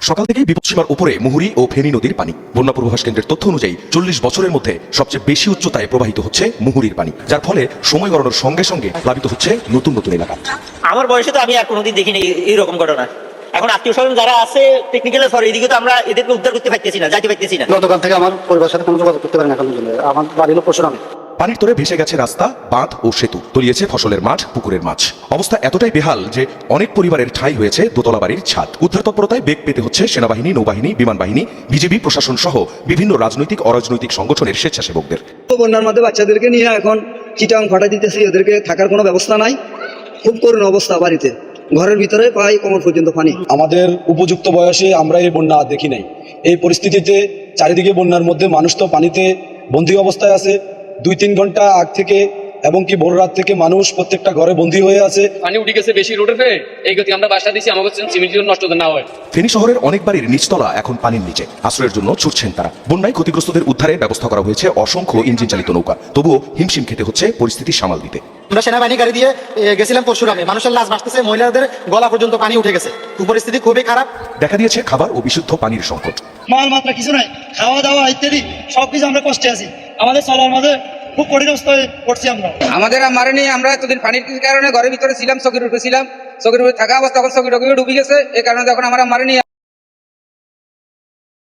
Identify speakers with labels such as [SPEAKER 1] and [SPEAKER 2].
[SPEAKER 1] সকাল থেকেই বিপদসীমার উপরে মুহুরী ও ফেনী নদীর পানি। বন্যা পূর্বাভাস কেন্দ্রের তথ্য অনুযায়ী 40 বছরের মধ্যে সবচেয়ে বেশি উচ্চতায় প্রবাহিত হচ্ছে মুহুরীর পানি, যার ফলে সময় গড়ানোর সঙ্গে সঙ্গে প্লাবিত হচ্ছে নতুন নতুন এলাকা।
[SPEAKER 2] আমার বয়সে তো আমি আর কোনোদিন দেখিনি এইরকম ঘটনা। এখন আত্মীয় স্বজন যারা আছে টেকনিক্যাল সরি এদিকে তো আমরা এদেরকে উদ্ধার করতে পারতেছি না, যাইতে পারতেছি না।
[SPEAKER 3] গতকাল থেকে আমার পরিবারের সাথে কোনো যোগাযোগ করতে পারেন এখন পর্যন্ত। আমার বাড়ি হলো পরশুরামে।
[SPEAKER 1] পানির তরে ভেসে গেছে রাস্তা, বাঁধ ও সেতু, তলিয়েছে ফসলের মাঠ, পুকুরের মাছ। অবস্থা এতটাই বেহাল যে অনেক পরিবারের ঠাঁই হয়েছে দোতলা বাড়ির ছাদ। উদ্ধার তৎপরতায় বেগ পেতে হচ্ছে সেনাবাহিনী, নৌবাহিনী, বিমান বাহিনী, বিজেপি, প্রশাসন সহ বিভিন্ন রাজনৈতিক অরাজনৈতিক সংগঠনের স্বেচ্ছাসেবকদের।
[SPEAKER 4] বন্যার মধ্যে বাচ্চাদেরকে নিয়ে এখন চিটাং ফাটা দিতেছি, ওদেরকে থাকার কোনো ব্যবস্থা নাই, খুব করুণ অবস্থা। বাড়িতে ঘরের ভিতরে প্রায় কোমর পর্যন্ত পানি।
[SPEAKER 5] আমাদের উপযুক্ত বয়সে আমরা এই বন্যা দেখি নাই। এই পরিস্থিতিতে চারিদিকে বন্যার মধ্যে মানুষ তো পানিতে বন্দী অবস্থায় আছে। 2-3 ঘন্টা আগ থেকে এবং কি ভোর রাত থেকে মানুষ প্রত্যেকটা ঘরে বন্দী হয়ে আছে।
[SPEAKER 6] পানি উঠে গেছে বেশি রোডে ফেলে এই গতি আমরা বাসা দিচ্ছি, আমাকে সিমেন্ট নষ্ট না হয়।
[SPEAKER 1] ফেনী শহরের অনেক বাড়ির নিচতলা এখন পানির নিচে, আশ্রয়ের জন্য ছুটছেন তারা। বন্যায় ক্ষতিগ্রস্তদের উদ্ধারে ব্যবস্থা করা হয়েছে অসংখ্য ইঞ্জিন চালিত নৌকা, তবুও হিমশিম খেতে হচ্ছে পরিস্থিতি সামাল দিতে।
[SPEAKER 3] আমরা সেনাবাহিনী গাড়ি দিয়ে গেছিলাম পরশুরামে, মানুষের লাশ ভাসতেছে, মহিলাদের গলা পর্যন্ত পানি উঠে গেছে, পরিস্থিতি খুবই খারাপ।
[SPEAKER 1] দেখা দিয়েছে খাবার ও বিশুদ্ধ পানির সংকট।
[SPEAKER 7] মাল মাত্রা কিছু নাই, খাওয়া দাওয়া ইত্যাদি সবকিছু আমরা কষ্টে আছি। আমাদের চলার মাঝে খুব কঠিন অবস্থায় পড়ছি আমরা।
[SPEAKER 6] আমাদের মারেনি, আমরা এতদিন পানির কারণে ঘরের ভিতরে ছিলাম, চকির উপরে ছিলাম, চকির উপরে থাকা অবস্থা এখন চকির ডুবে গেছে, এই কারণে যখন আমরা মারেনি।